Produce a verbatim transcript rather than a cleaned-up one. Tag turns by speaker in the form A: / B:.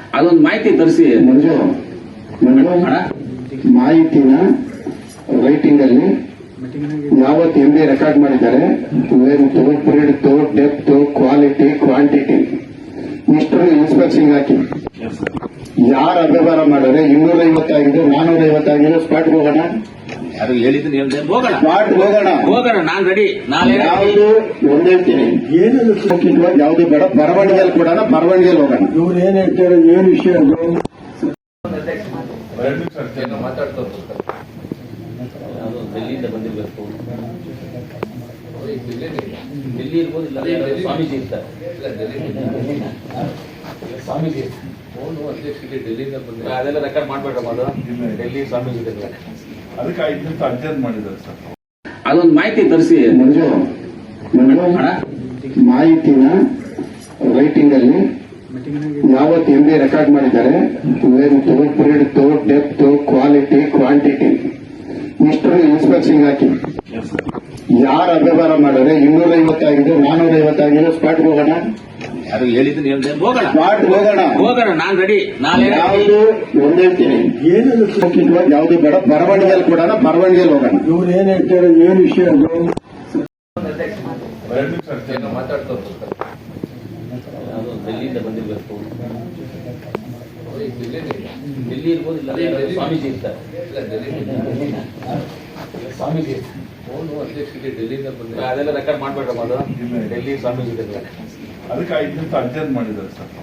A: ಅದೊಂದು ಮಾಹಿತಿ ತರಿಸಿ
B: ಮಂಜು ಮಾಹಿತಿನ ರೈಟಿಂಗ್ ಅಲ್ಲಿ ಯಾವತ್ತು ಎಂ ಬಿ ರೆಕಾರ್ಡ್ ಮಾಡಿದ್ದಾರೆ, length, breadth, depth, quality, quantity ಇಷ್ಟರು ಇನ್ಸ್ಪೆಕ್ಷನ್ ಹಾಕಿ ಯಾರು ಅವ್ಯವಹಾರ ಮಾಡಿದ್ರೆ ಇನ್ನೂರ ಐವತ್ತಾಗಿದೆ, ನಾನೂರ ಐವತ್ತಾಗಿದೆ, ಸ್ಪಾಟ್ಗೆ ಹೋಗೋಣ.
A: ಯಾರು ಹೇಳಿದ್ರು ಹೇಳ್ದೆ ಹೋಗೋಣ,
B: ಸ್ಪಾಟ್ ಹೋಗೋಣ
A: ಹೋಗೋಣ ನಾನ್ ರೆಡಿ. ನಾಳೆ
B: ಯಾವುದು ಒಂದ್ ಹೇಳ್ತೀನಿ, ಏನು ಯಾವುದು ಬೇಡ, ಬರವಣಿಗೆಯಲ್ಲಿ ಕೊಡೋಣ, ಬರವಣಿಗೆಯಲ್ಲಿ ಹೋಗೋಣ.
C: ಇವ್ರು ಏನ್ ಹೇಳ್ತಾರೆ, ಏನ್ ವಿಷಯ ಅದು
A: ಮಾತಾಡ್ತಾರೆ. ಡೆಲ್ಲಿಯಿಂದ ಬಂದಿರ್ಬೇಕು, ಡೆಲ್ಲಿ ಇರ್ಬೋದು, ಇಲ್ಲ ಸ್ವಾಮೀಜಿ ಇರ್ತಾರೆ. ಸ್ವಾಮೀಜಿ ಫೋನು ಅಧ್ಯಕ್ಷರಿಗೆ ಡೆಲ್ಲಿಯಿಂದ ಬಂದಿಲ್ಲ, ಅದೆಲ್ಲ ರೆಕಾರ್ಡ್ ಮಾಡ್ಬೇಡ್ರಮ್ಮ. ಅದು ಡೆಲ್ಲಿ ಸ್ವಾಮೀಜಿ
D: ಅದಕ್ಕೆ ಐದು ನಿಮಿಷ ಅರ್ಜೆಂಟ್ ಮಾಡಿದ್ದಾರೆ ಸರ್.
A: ಅದೊಂದು ಮಾಹಿತಿ ತರಿಸಿ
B: ಮಂಜು ಮಾಹಿತಿನ ರೈಟಿಂಗ್ ಅಲ್ಲಿ ಯಾವತ್ತು ಎಂ ಬಿ ರೆಕಾರ್ಡ್ ಮಾಡಿದ್ದಾರೆ, length, breadth, depth, quality, quantity ಇಷ್ಟರು ಇನ್ಸ್ಪೆಕ್ಷನ್ ಹಾಕಿ ಯಾರು ಅವ್ಯವಹಾರ ಮಾಡಿದ್ರೆ ಇನ್ನೂರ ಐವತ್ತಾಗಿದೆ, ನಾನೂರ ಐವತ್ತಾಗಿದೆ, ಸ್ಪಾಟ್ಗೆ ಹೋಗೋಣ.
A: ಯಾರು ಹೇಳಿದ್ರು ಹೇಳ್ದೆ ಹೋಗೋಣ,
B: ಸ್ಪಾಟ್ ಹೋಗೋಣ,
A: ಹೋಗೋಣ ನಾನ್ ರೆಡಿ. ನಾಳೆ
B: ಯಾವುದು ಒಂದ್ ಹೇಳ್ತೀನಿ, ಏನು ಯಾವುದು ಬೇಡ, ಬರವಣಿಗೆಯಲ್ಲಿ ಕೊಡೋಣ, ಬರವಣಿಗೆಯಲ್ಲಿ ಹೋಗೋಣ.
C: ಇವ್ರು ಏನ್ ಹೇಳ್ತಾರೆ, ಏನ್ ವಿಷಯ ಅದು
D: ಎರಡು ನಿಮಿಷ ಅರ್ಜೆಂಟ್
A: ಮಾತಾಡ್ತಾರೆ. ಅದು ಡೆಲ್ಲಿಯಿಂದ ಬಂದಿರ್ಬೇಕು, ಡೆಲ್ಲಿ ಇರ್ಬೋದು, ಇಲ್ಲ ಸ್ವಾಮೀಜಿ ಇರ್ತಾರೆ. ಸ್ವಾಮೀಜಿ ಫೋನು ಅಧ್ಯಕ್ಷರಿಗೆ ಡೆಲ್ಲಿಯಿಂದ ಬಂದಿಲ್ಲ, ಅದೆಲ್ಲ ರೆಕಾರ್ಡ್ ಮಾಡ್ಬೇಡ್ರಮ್ಮ. ಅದು ಡೆಲ್ಲಿ ಸ್ವಾಮೀಜಿ
D: ಅದಕ್ಕೆ ಐದು ನಿಮಿಷ ಅರ್ಜೆಂಟ್ ಮಾಡಿದ್ದಾರೆ ಸರ್.